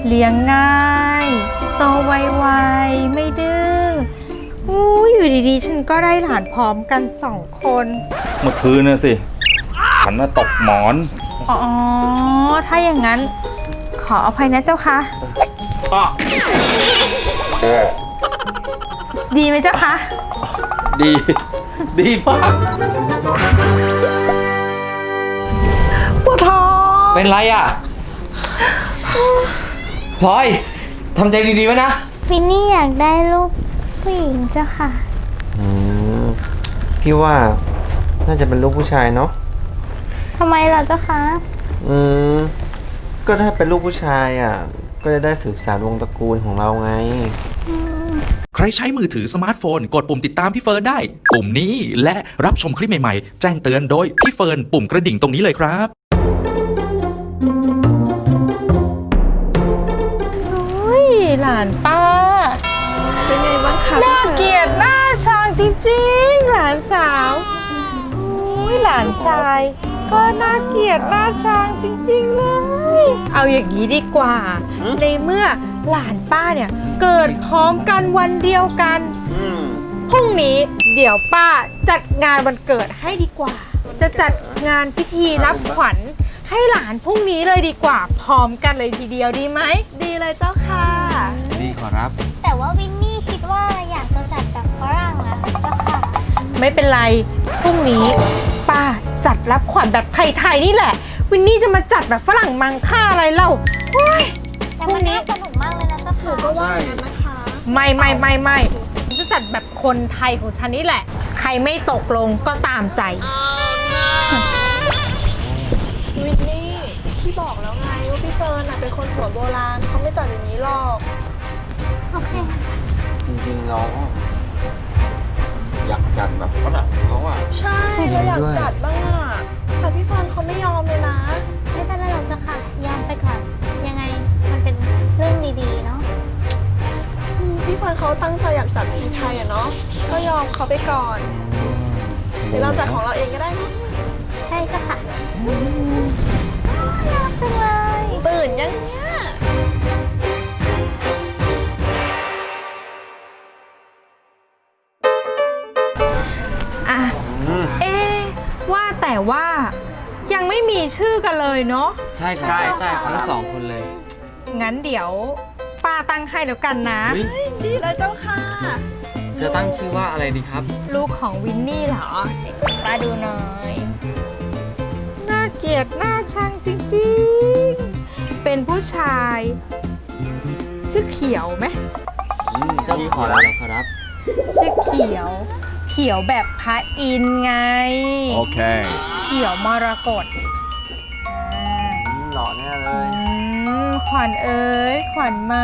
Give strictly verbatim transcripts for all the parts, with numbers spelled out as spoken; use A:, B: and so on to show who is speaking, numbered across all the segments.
A: เลี้ยงง่ายโตไวๆไม่ดื้ออู้อยู่ดีๆฉันก็ได้หลานพร้อมกันสองคน
B: เมื่อคืนน่ะสิฉันน่ะตกหมอน
A: อ๋อถ้าอย่างนั้นขออภัยนะเจ้าค่ะดีไหมเจ้าคะ
B: ดีดีมาก
A: ปวดท้อง
C: เป็นไรอ่ะพลอยทำใจดีๆไว้นะ
D: วินนี่อยากได้ลูกผู้หญิงเจ้าค่ะ
E: อืมพี่ว่าน่าจะเป็นลูกผู้ชายเนาะ
D: ทำไมล่ะเจ้าคะ
E: อืมก็ถ้าเป็นลูกผู้ชายอ่ะก็จะได้สืบสานวงตระกูลของเราไง
F: ใครใช้มือถือสมาร์ทโฟนกดปุ่มติดตามพี่เฟิร์นได้ปุ่มนี้และรับชมคลิปใหม่ๆแจ้งเตือนโดยพี่เฟิร์นปุ่มกระดิ่งตรงนี้เลยครับ
A: หลานป้า
G: เป็นไงบ้างคะ
A: น่าเกลียดหน้าชังจริงๆหลานสาวอุ้ยหลานชายก็น่าเกลียดหน้าชังจริงๆเลยเอาอย่างนี้ดีกว่าในเมื่อหลานป้าเนี่ยเกิดพร้อมกันวันเดียวกันพรุ่งนี้เดี๋ยวป้าจัดงานวันเกิดให้ดีกว่าจะจัดงานพิธีรับขวัญให้หลานพรุ่งนี้เลยดีกว่าพร้อมกันเลยทีเดียวดีไหม
G: ดีเลยเจ้าค่ะ
E: ดีขอรับ
D: แต่ว่าวินนี่คิดว่าอยากจะจัดแบบฝรั่งนะเจ้าค่ะ
A: ไม่เป็นไรพรุ่งนี้ป้าจัดรับขวัญแบบไทยๆนี่แหละวินนี่จะมาจัดแบบฝรั่งมังค่าอะไรเล่า
D: แต่วันนี้สนุกมากเลยนะเจ้าค่ะ
G: ก็ว่าอย่างนั้นนะคะ
A: ไม่ไม่ไม่ไม่จะจัดแบบคนไทยของฉันนี่แหละใครไม่ตกลงก็ตามใจ
G: วินนี่พี่บอกแล้วไงว่าพี่เฟิร์นเป็นคนหัวโบราณเขาไม่จัดอย่างนี้หรอก
D: โอเค
E: จริงๆเราอยากจัดแบบฝรั่งเขาอ่ะ
G: ใช่เราอยากจัดบ้างอ่ะแต่พี่เฟิร์นเขาไม่ยอมเลยนะ
D: ไม่เป็นไรหรอกเจ้าค่ะยอมไปก่อนยังไงมันเป็นเรื่องดีๆเนาะ
G: พี่เฟิร์นเขาตั้งใจอยากจัดพีไทยอ่ะเนาะก็ยอมเขาไปก่อนเดี๋ยวเราจัดของเราเองก็ได้นะ
D: ใช่เจ้าค่ะน่ารักจังเลย
G: ตื่นยังเนี้ย
A: อ่ะเอ๊ะว่าแต่ว่ายังไม่มีชื่อกันเลยเนาะ
C: ใช่ใช่ใช่ทั้งสองคนเลย
A: งั้นเดี๋ยวป้าตั้งให้แล้วกันนะ
G: ดีเลยเจ้าค่ะ
C: จะตั้งชื่อว่าอะไรดีครับ
A: ลูกของวินนี่เหรอป้าดูหน่อยน่าเกลียดน่าชังจริงๆเป็นผู้ชายชื่อเขียวไหม
C: เจ้าขอแล้วขอรับ
A: ชื่อเขียวเขียวแบบพระอินทร์ไง
B: โอเค
A: เขียวมรกต
E: หล่อแน่เลย
A: ขวัญเอ๋ยขวัญมา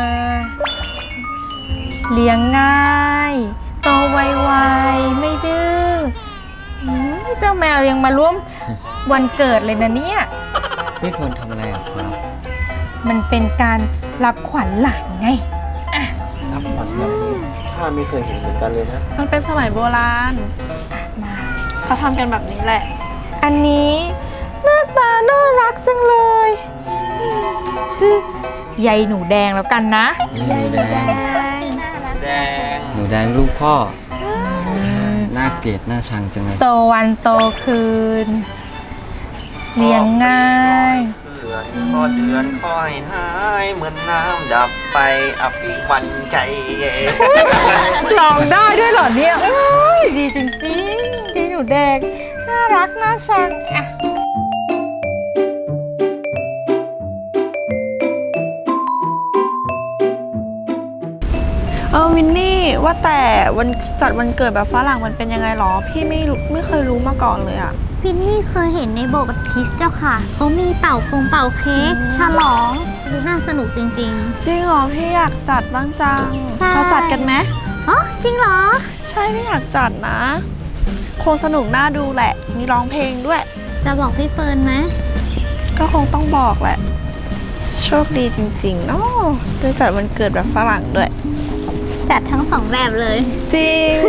A: เลี้ยงง่ายโตไวๆไม่ดื้อเจ้าแมวยังมาร่วมวันเกิดเลยนะเนี่ย
C: พี่ควรทำอะไรอ่ะครับ
A: มันเป็นการรับขวัญหลานไงอ่ะ
E: รับขวัญแบบนี้ข้าไม่เคยเห็นเหมือนกันเลยนะ
G: มันเป็นสมัยโบราณเขาทำกันแบบนี้แหละ
A: อันนี้หน้าตาน่ารักจังเลยชื่อยายหนูแดงแล้วกันนะ
G: ยายหนูแดง
E: แดง
C: หนูแดงลูกพ่อน่าเกลียดน่าชังจังเลย
A: โตวันโตคืนเลี้ยงง่าย
E: เดือนพอเดือนค่อยหายเหมือนน้ำดับไปอภิวันใจ
A: ลองได้ด้วยเหรอเนี่ยโอ้ยดีจริงๆดีหนูแดงน่ารักน่าชังอ่ะ
G: เออวินนี่ว่าแต่วันจัดวันเกิดแบบฝรั่งมันเป็นยังไงหรอพี่ไม่ไม่เคยรู้มาก่อนเลยอะ
D: วินนี่เคยเห็นในโบสถ์คริสต์เจ้าค่ะเขามีเป่าคงเป่าเค้กฉลองดูน่าสนุกจริงๆจริง
G: เหรอพี่อยากจัดบ้างจังเราจัดกันไหม
D: อ๋อจริงเหรอ
G: ใช่พี่อยากจัดนะคงสนุกน่าดูแหละมีร้องเพลงด้วย
D: จะบอกพี่เฟิร์นไหม
G: ก็คงต้องบอกแหละโชคดีจริงๆเนาะได้จัดวันเกิดแบบฝรั่งด้วย
D: จัดทั้งสองแบบเลย
G: จริง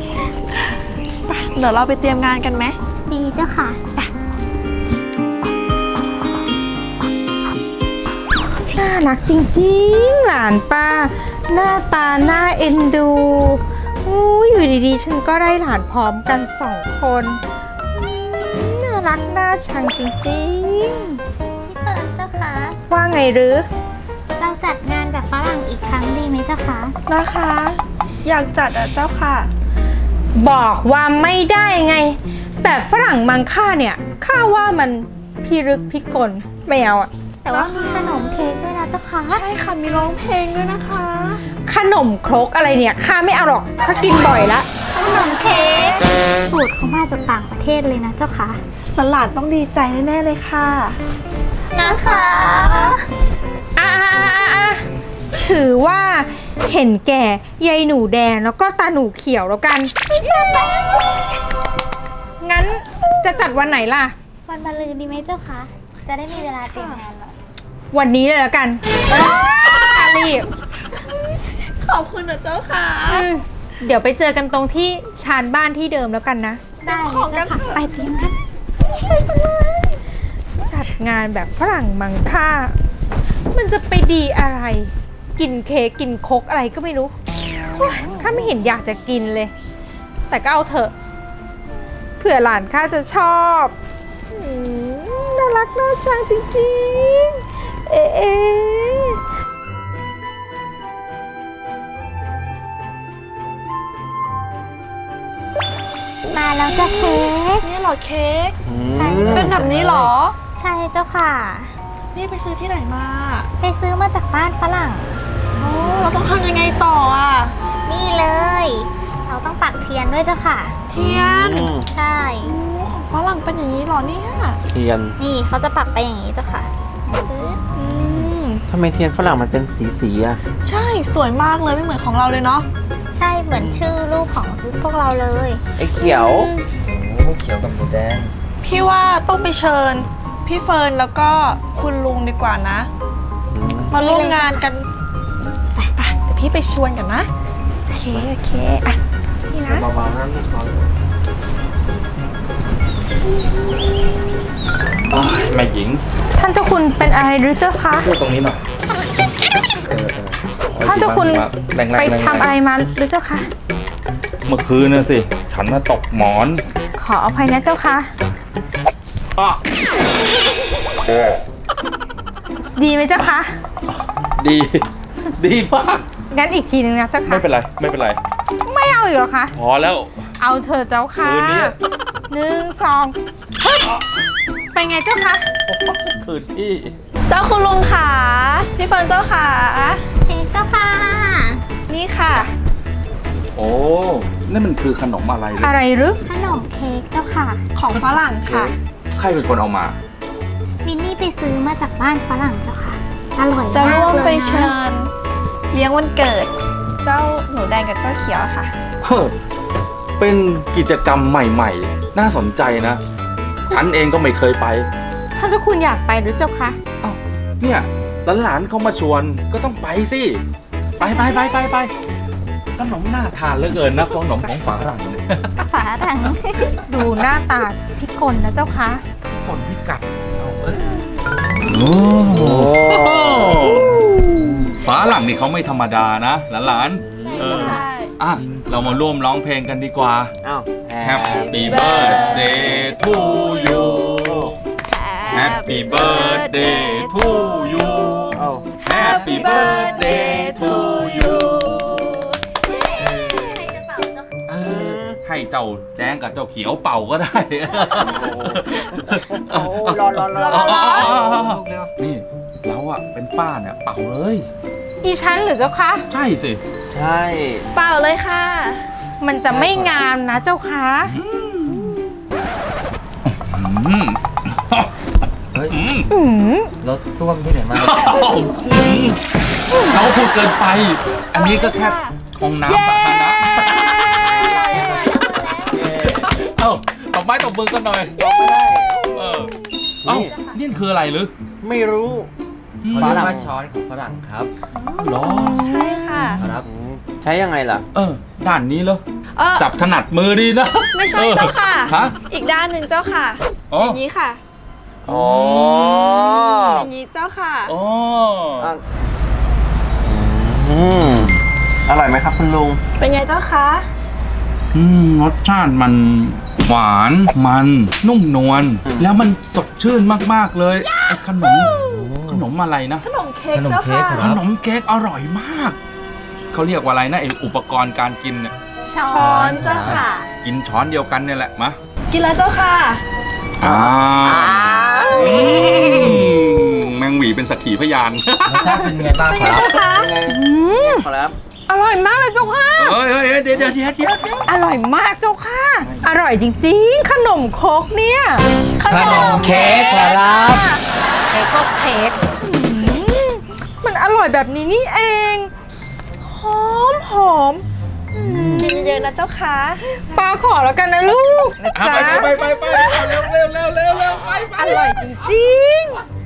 G: เดี๋ยวเราไปเตรียมงานกันไหม
D: ดีเจ้าค่ะ
G: เสี
A: น่ารักจริงๆ หลานป้า หน้าตาน่าเอ็นดูอู้อยู่ดีๆ ฉันก็ได้หลานพร้อมกันสองคนอืมน่ารักน่าชังจริง
D: พี่เฟิร์นเจ้าค่ะ
A: ๆ ว่าไงหรือ
D: เราจัดงานแบบฝรั่งอีกครั้งดีไหมเจ้าคะ
G: นะคะ อยากจัดอ่ะเจ้าค่ะ
A: บอกว่าไม่ได้ไง แบบฝรั่งมังค่าเนี่ยข้าว่ามันพิรึกพิกลไม่เอาอะ
D: แต่ว่ามีขนมเค้กด้วยนะเจ้าค่ะ
G: ใช่ค่ะ มีร้องเพลงด้วยนะคะ
A: ขนมครกอะไรเนี่ยข้าไม่เอาหรอกข้ากินบ่อยละ
D: ขนมเค้กสูตรเขามาจากต่างประเทศเลยนะเจ้าค่ะ
G: หลานๆต้องดีใจแน่ๆเลยค่ะ
D: นะคะ
A: อ่ะถือว่าเห็นแก่ยายหนูแดงแล้วก็ตาหนูเขียวแล้วกัน งั้นจะจัดวันไหนล่ะ
D: วันมะรืนดีไหมเจ้าคะจะได้มีเวลาเตรียมงานหน่อย
A: วันนี้เลยแล้วกันรีบ
G: ขอบคุณนะเจ้าค่ะ
A: อืมเดี๋ยวไปเจอกันตรงที่ชานบ้านที่เดิมแล้วกันนะ
D: ได้เลยเจ้าค่ะไปเตรียมกัน
A: จัดงานแบบฝรั่งมังค่า มันจะไปดีอะไร กินเค้กกินโคกอะไรก็ไม่รู้โอ๊ยข้าไม่เห็นอยากจะกินเลย แต่ก็เอาเถอะ เผื่อหลานข้าจะชอบอืมน่ารักน่าชังจริงๆ เอ๊ะเอ๊ะ
D: มาแล้วจ้าเค้ก
G: นี่เหรอเค้ก
D: ใช่
G: เป็นแบบนี้เหรอ
D: ใช่เจ้าค่ะ
G: นี่ไปซื้อที่ไหนมา
D: ไปซื้อมาจากบ้านฝรั่ง
G: โอ้เราต้องทำยังไงต่ออ่ะ
D: นี่เลย เราต้องปักเทียนด้วยเจ้าค่ะ
G: เทียน
E: อืม
D: ใช่
G: โอ้ของฝรั่งเป็นอย่างนี้เหรอเนี่ย
E: เทียน
D: นี่เขาจะปักไปอย่างนี้เจ้าค่ะปึ๊บ
G: อืม
E: ทำไมเทียนฝรั่งมันเป็นสีสีๆอะ
G: ใช่สวยมากเลยไม่เหมือนของเราเลยเนาะ
D: ใช่เหมือนชื่อลูกของพวกเราเลย
E: ไอ้เขียว
C: โอ้เขียวกับหมูแดง
G: พี่ว่าต้องไปเชิญ พี่เฟิร์นแล้วก็คุณลุงดีกว่านะ มาร่วมงานกันไปไปเดี๋ยวพี่ไปชวนกันนะ โอเค โอเค อ่ะ นี่นะ
E: เบาๆนะลูกน้อย
B: อ้ายแม่หญิง
A: ท่านเจ้าคุณเป็นอะไรหรือเจ้าคะ
B: พูดตรงนี้หน่อย
A: ท่านเจ้าคุณ
B: แรงๆ
A: ไป
B: แรงๆ
A: ทำอะไรมาหรือเจ้าคะ
B: เมื่อคืนน่ะสิ ฉันน่ะตกหมอน
A: ขออภัยนะเจ้าคะ
B: อ้อ
A: ดีไหมเจ้าคะ
B: ดี ดีมาก
A: งั้นอีกทีหนึงนะเจ้าค่ะ
B: ไม่เป็นไร ไม่เป็นไร
A: ไม่เอาอีกเหรอคะ
B: พอแล้ว
A: เอาเธอะเจ้าค่ะ
B: คืนนี้
A: หนึ่งสองฮึบเป็นไงเจ้าคะ
B: คืนที่
G: เจ้าคุณลุงขาพี่เฟิร์นเจ้าขา
D: เค้กเจ้าค่ะ
G: นี่ค่ะ
B: โอ้ นั่นมันคือขนมอะไรเลย
A: อะไรหรือ
D: ขนมเค้กเจ้าค่ะ
G: ของฝรั่งค่ะ
B: ใครเป็นคนเอามา
D: มินนี่ไปซื้อมาจากบ้านฝรั่งเจ้าค่ะ อร่อยมาก
G: จะร่วม
D: เลยนะ
G: ไปเชิญ เลี้ยงวันเกิด เจ้าหนูแดงกับเจ้าเขียวค่ะ
B: เฮ้อเป็นกิจกรรมใหม่ๆ น่าสนใจนะ ฉันเองก็ไม่เคยไป
A: ท่านเจ้าคุณอยากไปหรือเจ้าคะ
B: เอ้า เนี่ยหลานๆเขามาชวนก็ต้องไปสิ ไปไปไปไปไปขนมน่าทานเหลือเกินนะขนมของฝรั่งเนี่ย
D: ฝรั่ง
A: ดูหน้าตาพิกลนะเจ้าคะ
B: คนพิกัดเอาเอ้ย
E: โอ้
B: ฝรั่งนี่เขาไม่ธรรมดานะหลานๆเออ
G: ใช่
B: อ่ะ เรามาร่วมร้องเพลงกันดีกว่า
E: อ้าว
B: Happy birthday to you Happy birthday to you
E: อ้าว
B: Happy birthday to you เออให้เจ้าแดงกับเจ้าเขียวเป่าก็ได้
E: โอ้รอรอรอ
G: รอรอ
B: นี่เราอะเป็นป้าเนี่ยเป่าเลย
A: อีฉันหรือเจ้าคะ
B: ใช่สิ
E: ใช่
G: เปล่าเลยค่ะ
A: มันจะไม่งามนะเจ้าคะ
B: อืม
C: เฮ้ย
B: อืม
A: อืม
C: รถส้วมที่ไหนมา
B: เราพูดเกินไป อันนี้ก็แค่ห้องน้ำสาธารณะเอ้าตบไม้ตบมือกันหน่อย
E: บอกไม่ได้
B: เออเอ้านี่คืออะไรหรือ
E: ไม่รู้
C: เขาเรียกว่าช้อนของฝรั่งครับ
B: หรอ
G: ใช่ค่ะ
C: ครับ
E: อืมใช้ยังไงล่ะ
B: เออ ด้านนี้เหรอ
G: เออ
B: จับถนัดมือดีนะ
G: ไม่ใช่เจ้าค่ะ
B: ฮะ
G: อีกด้านหนึ่งเจ้าค่ะ
B: อ๋อ
G: อย่างนี้ค่ะ
B: อ
E: อ๋อ
G: อย่างนี้เจ้าค่ะ
B: อ๋อ
E: อ่ะอืมอร่อยไหมครับคุณลุง
G: เป็นไงเจ้าคะ
B: อืมรสชาติมันหวานมันนุ่มนวล
E: อืม
B: แล้วมันสดชื่นมากๆเลยไอ้ขนมขนมอะไรนะ
G: ขนมเค้ก
C: ขนม
G: เจ้า
C: เค้ก
G: ค่ะ
C: ค
B: ข
C: รับ
B: นมเค้กอร่อยมาก เขาเรียกว่าอะไรนะไออุปกรณ์การกินเนี่ย
D: ช้อ
G: ช้อน
D: น
G: เจ้าค่ะ
B: กินช้อนเดียวกันเนี่ยแหละมา
G: กินแล้วเจ้าค่ะ
B: อ่าอืมแมงหวีเป็นสักขีพยาน
C: รสชาติเป็นไงบ้างครับ
E: ยังไงขอรับ
A: อร่อยมากเลยเจ้าค่ะ
B: เฮ้ยเฮ้ยเฮ้ยเดี๋ยวเดี๋ยวเดี๋ยวเดี๋ยวเดี๋ยว
A: อร่อยมากเจ้าค่ะ อร่อยจริงๆ ขนมครกเนี่ย
G: ข
C: ข
G: น
C: น
G: ม
C: มเค้กขอรับ
A: เค้กก็เค้กอืมมันอร่อยแบบนี้นี่เอง หอมหอม
G: กินเยอะๆนะเจ้าค่ะ
A: ปลาขอแล้วกันนะลูกนะ
B: อ่ะ
A: จ๊ะ
B: ไปไปไปไปไปเร็วเร็วเร็วเร็วเร็วไปไป
A: อร่อยจริงๆ